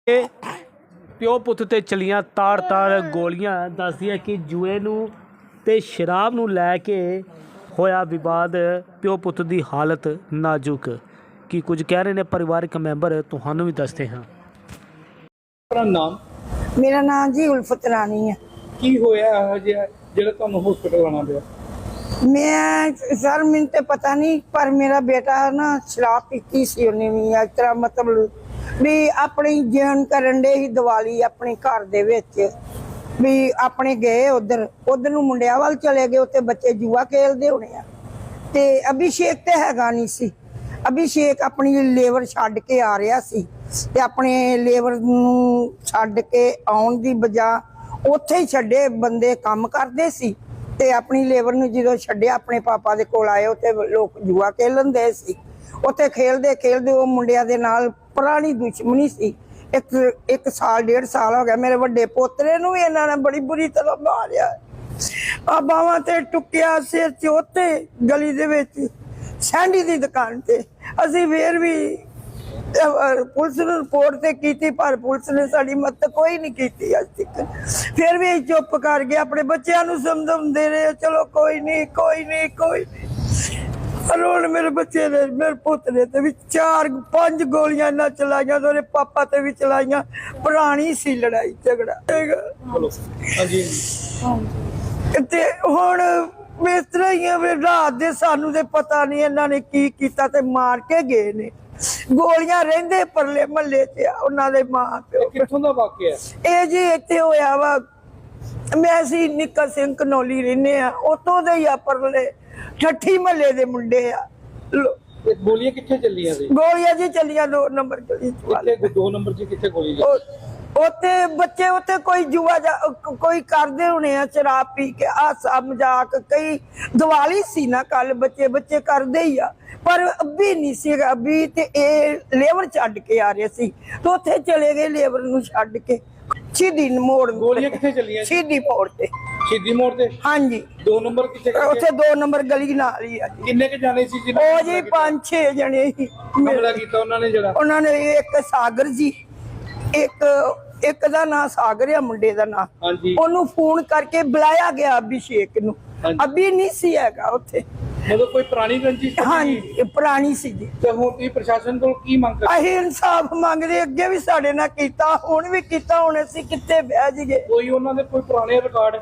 ਪਿਓ ਪੁੱਤ ਤੇ ਚਲੀਆਂ ਤਾੜ ਗੋਲੀਆਂ। ਦੱਸਦੀਆਂ ਕਿ ਜੂਏ ਨੂੰ ਤੇ ਸ਼ਰਾਬ ਨੂੰ ਲੈ ਕੇ ਹੋਇਆ ਵਿਵਾਦ। ਪਿਓ ਪੁੱਤ ਦੀ ਹਾਲਤ ਨਾਜ਼ੁਕ। ਕੀ ਕੁਝ ਕਹਿ ਰਹੇ ਨੇ ਪਰਿਵਾਰਕ ਮੈਂਬਰ, ਤੁਹਾਨੂੰ ਵੀ ਦੱਸਦੇ ਹਾਂ। ਨਾਮ? ਮੇਰਾ ਨਾਮ ਜੀ ਉਲਫਤ ਰਾਣੀ ਹੈ। ਕੀ ਹੋਇਆ ਇਹੋ ਜਿਹਾ ਜਿਹੜਾ ਤੁਹਾਨੂੰ ਹਸਪੀਟਲ ਆਉਣਾ ਪਿਆ? ਮੈਂ ਸਰ ਮੈਨੂੰ ਤੇ ਪਤਾ ਨਹੀਂ, ਪਰ ਮੇਰਾ ਬੇਟਾ ਨਾ ਸ਼ਰਾਬ ਪੀਤੀ ਸੀ ਉਹਨੇ ਵੀ। ਇਸ ਤਰ੍ਹਾਂ ਮਤਲਬ ਵੀ ਆਪਣੀ ਜੀਵਨ ਕਰਨ ਦੇ ਹੀ ਦੀਵਾਲੀ ਆਪਣੇ ਘਰ ਦੇ ਵਿੱਚ ਵੀ ਆਪਣੇ ਗਏ ਉਧਰ ਨੂੰ ਮੁੰਡਿਆਂ ਵੱਲ ਚਲੇ ਗਏ। ਉੱਥੇ ਬੱਚੇ ਜੂਆ ਖੇਲਦੇ ਹੋਣੇ ਆ ਤੇ ਅਭਿਸ਼ੇਕ ਤੇ ਹੈਗਾ ਨਹੀਂ ਸੀ। ਅਭਿਸ਼ੇਕ ਆਪਣੀ ਲੇਬਰ ਛੱਡ ਕੇ ਆ ਰਿਹਾ ਸੀ ਤੇ ਆਪਣੇ ਲੇਬਰ ਨੂੰ ਛੱਡ ਕੇ ਆਉਣ ਦੀ ਬਜਾ ਉੱਥੇ ਹੀ ਛੱਡੇ ਬੰਦੇ ਕੰਮ ਕਰਦੇ ਸੀ ਤੇ ਆਪਣੀ ਲੇਬਰ ਨੂੰ ਜਦੋਂ ਛੱਡਿਆ ਆਪਣੇ ਪਾਪਾ ਦੇ ਕੋਲ ਆਏ। ਉੱਥੇ ਲੋਕ ਜੂਆ ਖੇਲਣ ਦੇ ਸੀ। ਉੱਥੇ ਖੇਲਦੇ ਉਹ ਮੁੰਡਿਆਂ ਦੇ ਨਾਲ ਪੁਰਾਣੀ ਦੁਸ਼ਮਣੀ ਸੀ। ਇੱਕ ਸਾਲ 1.5 ਸਾਲ ਹੋ ਗਿਆ। ਮੇਰੇ ਵੱਡੇ ਪੋਤਰੇ ਨੂੰ ਵੀ ਇਹਨਾਂ ਨੇ ਬੜੀ ਬੁਰੀ ਤਰ੍ਹਾਂ ਮਾਰਿਆ। ਆ ਬਾਹਾਂ ਤੇ ਟੁੱਕਿਆ, ਸਿਰ 'ਚ ਉੱਥੇ ਗਲੀ ਦੇ ਵਿੱਚ ਸੈਂਡੀ ਦੀ ਦੁਕਾਨ ਤੇ। ਅਸੀਂ ਫੇਰ ਵੀ ਪੁਲਿਸ ਨੂੰ ਰਿਪੋਰਟ ਤੇ ਕੀਤੀ, ਪਰ ਪੁਲਿਸ ਨੇ ਸਾਡੀ ਮਦਦ ਕੋਈ ਨਹੀਂ ਕੀਤੀ ਅੱਜ ਤੱਕ। ਫਿਰ ਵੀ ਚੁੱਪ ਕਰ ਗਏ। ਆਪਣੇ ਬੱਚਿਆਂ ਨੂੰ ਸਮਝਾਉਂਦੇ ਰਹੇ, ਚਲੋ ਕੋਈ ਨਹੀਂ। ਹੁਣ ਮੇਰੇ ਬੱਚੇ ਨੇ, ਮੇਰੇ ਪੁੱਤ ਨੇ ਤੇ ਵੀ 4-5 ਗੋਲੀਆਂ ਇਹਨਾਂ ਚਲਾਈਆਂ ਤੇ ਉਹਦੇ ਪਾਪਾ ਤੇ ਵੀ ਚਲਾਈਆਂ। ਪੁਰਾਣੀ ਸੀ ਲੜਾਈ ਝਗੜਾ। ਹਾਂਜੀ। ਤੇ ਹੁਣ ਇਸ ਤਰ੍ਹਾਂ ਹੀ ਆ ਵੀ ਰਾਤ ਦੇ ਸਾਨੂੰ ਤੇ ਪਤਾ ਨਹੀਂ ਇਹਨਾਂ ਨੇ ਕੀ ਕੀਤਾ ਤੇ ਮਾਰ ਕੇ ਗਏ ਨੇ। ਗੋਲੀਆਂ ਰਹਿੰਦੇ ਪਰਲੇ ਮਹੱਲੇ 'ਚ ਉਹਨਾਂ ਦੇ ਮਾਂ ਪਿਓ। ਕਿੱਥੋਂ ਦਾ ਵਾਕਿਆ? ਇਹ ਜੀ ਇੱਥੇ ਹੋਇਆ ਵਾ। ਮੈਂ ਸੀ ਨਿੱਕਾ ਸਿੰਘ ਕਨੌਲੀ ਰਹਿੰਦੇ ਆ, ਉਤੋਂ ਦੇ ਹੀ ਆ ਪਰਲੇ ਠੱਠੀ ਮਹੱਲੇ ਦੇ ਮੁੰਡੇ ਆ। ਗੋਲੀਆਂ ਕਿੱਥੇ ਚੱਲੀਆਂ ਸੀ? ਗੋਲੀਆਂ ਜੀ ਚੱਲੀਆਂ 2 ਨੰਬਰ ਗਲੀ 2 ਨੰਬਰ 'ਚ ਕਿੱਥੇ ਗੋਲੀ ਚੱਲੀ? ਉੱਥੇ ਬੱਚੇ ਉੱਥੇ ਕੋਈ ਜੂਆ ਕੋਈ ਕਰਦੇ ਹੋਣੇ ਆ, ਸ਼ਰਾਬ ਪੀ ਕੇ ਹਾਸਾ ਮਜ਼ਾਕ। ਕਈ ਦੀਵਾਲੀ ਸੀ ਨਾ ਕੱਲ, ਬੱਚੇ ਕਰਦੇ ਹੀ ਆ। ਪਰ ਅੱਬੀ ਨਹੀਂ ਸੀ। ਅੱਬੀ ਤੇ ਇਹ ਲੇਬਰ ਛੱਡ ਕੇ ਆ ਰਹੇ ਸੀ ਤੇ ਉੱਥੇ ਚਲੇ ਗਏ ਲੇਬਰ ਨੂੰ ਛੱਡ ਕੇ। ਸ਼ਹੀਦੀ ਮੋੜ। ਗੋਲੀਆਂ ਕਿੱਥੇ ਚੱਲੀਆਂ? ਸ਼ਹੀਦੀ ਮੋੜ ਤੇ। ਸ਼ਹੀਦੀ ਮੋੜ ਤੇ? ਹਾਂਜੀ। 2 ਨੰਬਰ ਕਿੱਥੇ? ਉੱਥੇ 2 ਨੰਬਰ ਗਲੀ ਨਾਲ ਹੀ ਆ ਜੀ। ਕਿੰਨੇ ਕੇ ਜਾਣੇ ਸੀ ਜੀ? ਉਹ ਜੀ 5-6 ਜਣੇ ਸੀ। ਹਮਲਾ ਕੀਤਾ ਉਹਨਾਂ ਨੇ ਜਿਹੜਾ? ਉਹਨਾਂ ਨੇ ਇੱਕ ਸਾਗਰ ਜੀ, ਇੱਕ ਦਾ ਨਾਂ ਸਾਗਰ ਆ ਮੁੰਡੇ ਦਾ ਨਾਂ। ਹਾਂਜੀ। ਉਹਨੂੰ ਫੋਨ ਕਰਕੇ ਬੁਲਾਇਆ ਗਿਆ ਅਭਿਸ਼ੇਕ ਨੂੰ। ਅਭੀ ਨਹੀਂ ਸੀ ਹੈਗਾ ਉੱਥੇ। ਮਤਲਬ ਕੋਈ ਪੁਰਾਣੀ ਰੰਜਿਸ਼? ਹਾਂਜੀ, ਪੁਰਾਣੀ ਸੀ ਜੀ। ਤੇ ਹੁਣ ਤੁਸੀਂ ਪ੍ਰਸ਼ਾਸਨ ਕੋਲ ਕੀ ਮੰਗ ਕਰਦੇ? ਅਸੀਂ ਇਨਸਾਫ ਮੰਗਦੇ। ਅੱਗੇ ਵੀ ਸਾਡੇ ਨਾਲ ਕੀਤਾ, ਹੁਣ ਵੀ ਕੀਤਾ। ਹੁਣ ਅਸੀਂ ਕਿੱਥੇ ਬਹਿ ਜਾਈਏ? ਕੋਈ ਉਹਨਾਂ ਦੇ ਕੋਈ ਪੁਰਾਣੇ ਰਿਕਾਰਡ?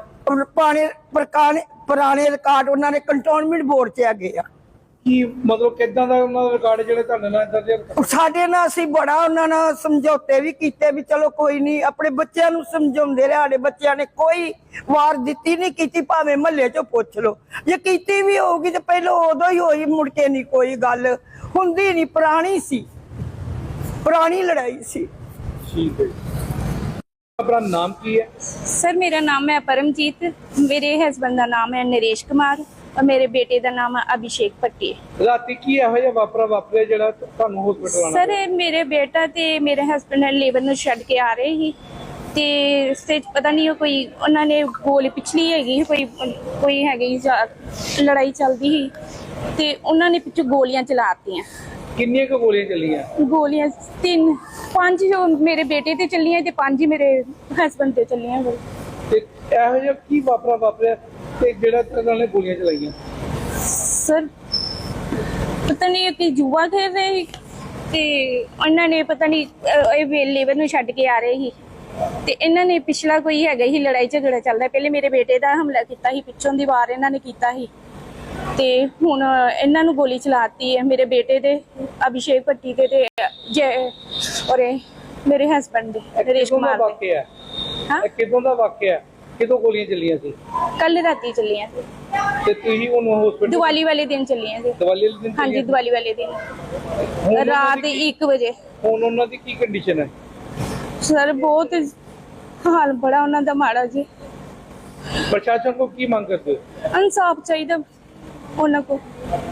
ਪੁਰਾਣੇ ਰਿਕਾਰਡ ਉਹਨਾਂ ਨੇ ਕੰਟੋਨਮੈਂਟ ਬੋਰਡ 'ਚ ਹੈਗੇ ਆ। ਕੀ ਮਤਲਬ ਕਿੱਦਾਂ ਦਾ ਉਹਨਾਂ ਦਾ ਰਿਕਾਰਡ ਜਿਹੜੇ ਤੁਹਾਡੇ ਨਾਲ ਇਦਾਂ ਦੇ? ਸਾਡੇ ਨਾਲ ਅਸੀਂ ਬੜਾ ਉਹਨਾਂ ਨਾਲ ਸਮਝੌਤੇ ਵੀ ਕੀਤੇ ਵੀ ਚਲੋ ਕੋਈ ਨਹੀਂ। ਆਪਣੇ ਬੱਚਿਆਂ ਨੂੰ ਸਮਝਾਉਂਦੇ ਰਹੇ। ਸਾਡੇ ਬੱਚਿਆਂ ਨੇ ਕੋਈ ਵਾਰ ਦਿੱਤੀ ਨਹੀਂ ਕੀਤੀ, ਭਾਵੇਂ ਮਹੱਲੇ 'ਚੋਂ ਪੁੱਛ ਲਓ। ਜੇ ਕੀਤੀ ਵੀ ਹੋਊਗੀ ਤੇ ਪਹਿਲਾਂ ਉਦੋਂ ਹੀ ਹੋਈ, ਮੁੜ ਕੇ ਨਹੀਂ ਕੋਈ ਗੱਲ ਹੁੰਦੀ। ਨਹੀਂ, ਪੁਰਾਣੀ ਸੀ, ਪੁਰਾਣੀ ਲੜਾਈ ਸੀ। ਠੀਕ ਹੈ। ਆਪਣਾ ਨਾਮ ਕੀ ਹੈ? सर मेरा नाम है परमजीत, मेरे हस्बैंड का नाम है नरेश कुमार और मेरे बेटे का नाम है अभिषेक भट्टी। ਰਾਤੀ ਕੀ ਇਹੋ ਜਿਹਾ ਵਾਪਰਿਆ ਜਿਹੜਾ ਤੁਹਾਨੂੰ ਹਸਪੀਟਲ ਆਣਾ सर मेरे बेटा ते मेरे हस्बैंड लेबर ਨੂੰ ਛੱਡ ਕੇ ਆ ਰਹੇ ਸੀ ਤੇ ਰਸਤੇ 'ਚ ਪਤਾ ਨਹੀਂ ਕੋਈ ਉਹਨਾਂ ਨੇ ਗੋਲੀ ਪਿਛਲੀ ਹੈਗੀ ਕੋਈ ਹੈਗੀ ਲੜਾਈ ਚੱਲਦੀ ਸੀ ਤੇ ਉਹਨਾਂ ਨੇ ਪਿੱਛੋਂ ਗੋਲੀਆਂ ਚਲਾਤੀਆਂ। ਕਿੰਨੀਆਂ ਕੁ ਗੋਲੀਆਂ ਚੱਲੀਆਂ? ਗੋਲੀਆਂ 5 ਜੋ ਮੇਰੇ ਬੇਟੇ ਤੇ ਚੱਲੀਆਂ ਤੇ 5 ਹੀ ਮੇਰੇ ਹਸਬੈਂਡ ਤੇ ਚੱਲੀਆਂ। ਤੇ ਇਹੋ ਜਿਹਾ ਕੀ ਵਾਪਰਿਆ ਤੇ ਜਿਹੜਾ ਉਹਨਾਂ ਨੇ ਗੋਲੀਆਂ ਚਲਾਈਆਂ? ਸਰ ਪਤਾ ਨਹੀਂ ਕਿ ਜੂਆ ਖੇਡ ਰਹੇ ਸੀ ਤੇ ਉਹਨਾਂ ਨੇ ਪਤਾ ਨਹੀਂ ਇਹ ਲੇਬਰ ਨੂੰ ਛੱਡ ਕੇ ਆ ਰਹੇ ਸੀ ਤੇ ਇਹਨਾਂ ਨੇ ਪਿਛਲਾ ਕੋਈ ਹੈਗਾ ਹੀ ਲੜਾਈ ਝਗੜਾ ਚੱਲਦਾ। ਪਹਿਲੇ ਮੇਰੇ ਬੇਟੇ ਦਾ ਹਮਲਾ ਕੀਤਾ ਸੀ, ਪਿੱਛੋਂ ਦੀ ਵਾਰ ਇਹਨਾਂ ਨੇ ਕੀਤਾ ਸੀ ਤੇ ਹੁਣ ਇਹਨਾਂ ਨੂੰ ਗੋਲੀ ਚਲਾਤੀ ਹੈ ਮੇਰੇ ਬੇਟੇ ਦੇ ਅਭਿਸ਼ੇਕ ਭੱਟੀ ਤੇ ਔਰ ਮੇਰੇ ਹਸਬੈਂਡ ਦੇ ਨਰੇਸ਼ ਕੁਮਾਰ ਦੇ। ਵਾਕਿਆ ਹਾਂ, ਕਿਦੋਂ ਦਾ ਵਾਕਿਆ? ਕਿਦੋਂ ਗੋਲੀਆਂ ਚੱਲੀਆਂ ਸੀ? ਕੱਲ ਰਾਤੀ ਚੱਲੀਆਂ ਸੀ ਤੇ ਤੁਸੀਂ ਉਹਨੂੰ ਹਸਪੀਟਲ? ਦੀਵਾਲੀ ਵਾਲੇ ਦਿਨ ਚੱਲੀਆਂ ਸੀ। ਦੀਵਾਲੀ ਵਾਲੇ ਦਿਨ? ਹਾਂਜੀ, ਦੀਵਾਲੀ ਵਾਲੇ ਦਿਨ ਰਾਤ 1 ਵਜੇ। ਹੁਣ ਉਹਨਾਂ ਦੀ ਕੀ ਕੰਡੀਸ਼ਨ ਹੈ? ਸਰ ਬਹੁਤ ਹਾਲ ਬੜਾ ਉਹਨਾਂ ਦਾ ਮਾੜਾ ਜੀ। ਪ੍ਰਸ਼ਾਸਨ ਕੋਲ ਕੀ ਮੰਗ ਕਰਦੇ ਹੋ? ਇਨਸਾਫ ਚਾਹੀਦਾ ਉਹਨਾਂ ਕੋਲ।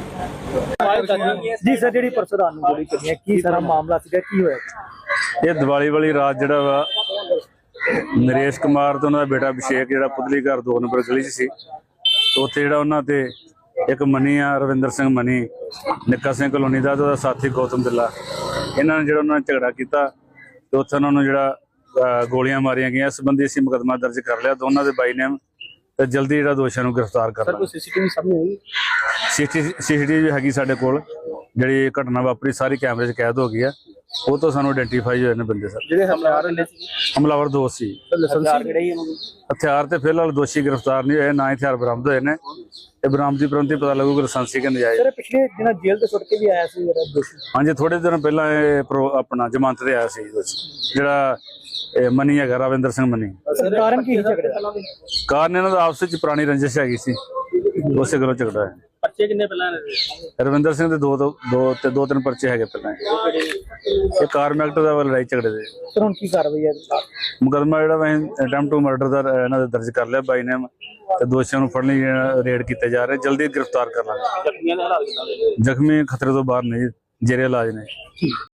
ਜੀ ਸਰ, ਜਿਹੜੀ ਪਰਸੋਂ ਰਾਤ ਨੂੰ ਗੋਲੀ ਚੱਲੀ ਹੈ, ਕੀ ਸਾਰਾ ਮਾਮਲਾ ਸੀਗਾ, ਕੀ ਹੋਇਆ? ਇਹ ਦੀਵਾਲੀ ਵਾਲੀ ਰਾਤ ਜਿਹੜਾ ਵਾ ਨਰੇਸ਼ ਕੁਮਾਰ ਤੇ ਉਹਨਾਂ ਦਾ ਬੇਟਾ ਅਭਿਸ਼ੇਕ ਜਿਹੜਾ ਪੁਤਲੀ ਘਰ 2 ਨੰਬਰ ਗਲੀ 'ਚ ਸੀ, ਤੇ ਉੱਥੇ ਜਿਹੜਾ ਉਹਨਾਂ ਤੇ ਇੱਕ ਮਨੀ ਆ ਰਵਿੰਦਰ ਸਿੰਘ ਮਨੀ, ਨਿੱਕਾ ਸਿੰਘ ਕਲੋਨੀ ਦਾ ਤੇ ਉਹਦਾ ਸਾਥੀ ਗੌਤਮ ਦਿੱਲਾ, ਇਹਨਾਂ ਨੇ ਜਿਹੜਾ ਉਹਨਾਂ ਨੇ ਝਗੜਾ ਕੀਤਾ ਤੇ ਉੱਥੇ ਉਹਨਾਂ ਨੂੰ ਜਿਹੜਾ ਗੋਲੀਆਂ ਮਾਰੀਆਂ ਗਈਆਂ। ਇਸ ਸੰਬੰਧੀ ਅਸੀਂ ਮੁਕੱਦਮਾ ਦਰਜ ਕਰ ਲਿਆ ਦੋਨਾਂ ਦੇ ਬਾਈ ਨੇਮ ਤੇ ਜਲਦੀ ਜਿਹੜਾ ਦੋਸ਼ੀਆਂ ਨੂੰ ਗ੍ਰਿਫਤਾਰ ਕਰ ਲਾਂਗੇ। ਸੀਸੀਟੀਵੀ ਸਾਹਮਣੇ ਆਈ? ਸੀਸੀਟੀਵੀ ਹੈਗੀ ਸਾਡੇ ਕੋਲ, ਜਿਹੜੀ ਘਟਨਾ ਵਾਪਰੀ ਸਾਰੀ ਕੈਮਰੇ 'ਚ ਕੈਦ ਹੋ ਗਈ ਆ। ਉਹ ਤੋਂ ਸਾਨੂੰ ਆਇਡੈਂਟੀਫਾਈ ਹੋਏ ਨੇ ਬੰਦੇ ਸਰ। ਜਿਹੜੇ ਹਮਲਾਵਰ ਨੇ ਹਮਲਾਵਰ ਦੋ ਸੀ। ਲਾਇਸੈਂਸ ਜਿਹੜੇ ਹੀ ਉਹਨਾਂ ਨੂੰ ਹਥਿਆਰ ਤੇ ਫਿਲਹਾਲ ਦੋਸ਼ੀ ਗ੍ਰਿਫਤਾਰ ਨਹੀਂ ਹੋਏ, ਨਾ ਹਥਿਆਰ ਬਰਾਮਦ ਹੋਏ ਨੇ। ਇਹ ਬਰਾਮਦੀ ਪ੍ਰੰਤੀ ਪਤਾ ਲੱਗੂਗਾ ਲਾਇਸੈਂਸੀ ਕਿ ਨਜਾਇਜ਼। ਸਰ ਪਿਛਲੇ ਦਿਨਾਂ ਜੇਲ੍ਹ ਤੋਂ ਛੁੱਟ ਕੇ ਵੀ ਆਇਆ ਸੀ ਜਿਹੜਾ ਦੋਸ਼ੀ। ਹਾਂਜੀ, ਥੋੜੇ ਦਿਨ ਪਹਿਲਾਂ ਇਹ ਆਪਣਾ ਜ਼ਮਾਨਤ ਤੇ ਆਇਆ ਸੀ ਦੋਸ਼ੀ, ਜਿਹੜਾ ਇਹ ਮਨੀ ਹੈਗਾ, ਰਵਿੰਦਰ ਸਿੰਘ ਮਨੀ। ਕਾਰਨ ਕੀ ਸੀ ਝਗੜੇ ਦਾ? ਕਾਰਨ ਇਹਨਾਂ ਦਾ ਆਪਸ ਵਿੱਚ ਪੁਰਾਣੀ ਰੰਜਿਸ਼ ਹੈਗੀ ਸੀ, ਉਸੇ ਗੱਲੋਂ ਝਗੜਾ ਹੈ। ਪਰਚੇ ਕਿੰਨੇ ਪਹਿਲਾਂ ਨੇ? ਰਵਿੰਦਰ ਸਿੰਘ ਦੇ ਦੋ ਤਿੰਨ ਪਰਚੇ ਹੈਗੇ ਪਹਿਲਾਂ। ਇਹ ਕਾਰਮ ਐਕਟ ਦਾ ਲੜਾਈ ਝਗੜੇ ਦੇ। ਸਰ ਹੁਣ ਕੀ ਕਾਰਵਾਈ ਹੈ? ਮੁਕੱਦਮਾ ਜਿਹੜਾ ਮੈਂ ਅਟੈਂਪਟ ਟੂ ਮਰਡਰ ਦਾ ਇਹਨਾਂ ਦੇ ਦਰਜ ਕਰ ਲਿਆ ਬਾਈ ਨੇ, ਤੇ ਦੋਸ਼ੀਆਂ ਨੂੰ ਫੜਨ ਲਈ ਰੇਡ ਕੀਤੇ ਜਾ ਰਹੇ, ਜਲਦੀ ਗ੍ਰਿਫਤਾਰ ਕਰ ਲਾਂਗੇ। ਜ਼ਖਮੀ ਖਤਰੇ ਤੋਂ ਬਾਹਰ ਨਹੀਂ, ਜੇਰੇ ਇਲਾਜ ਨੇ।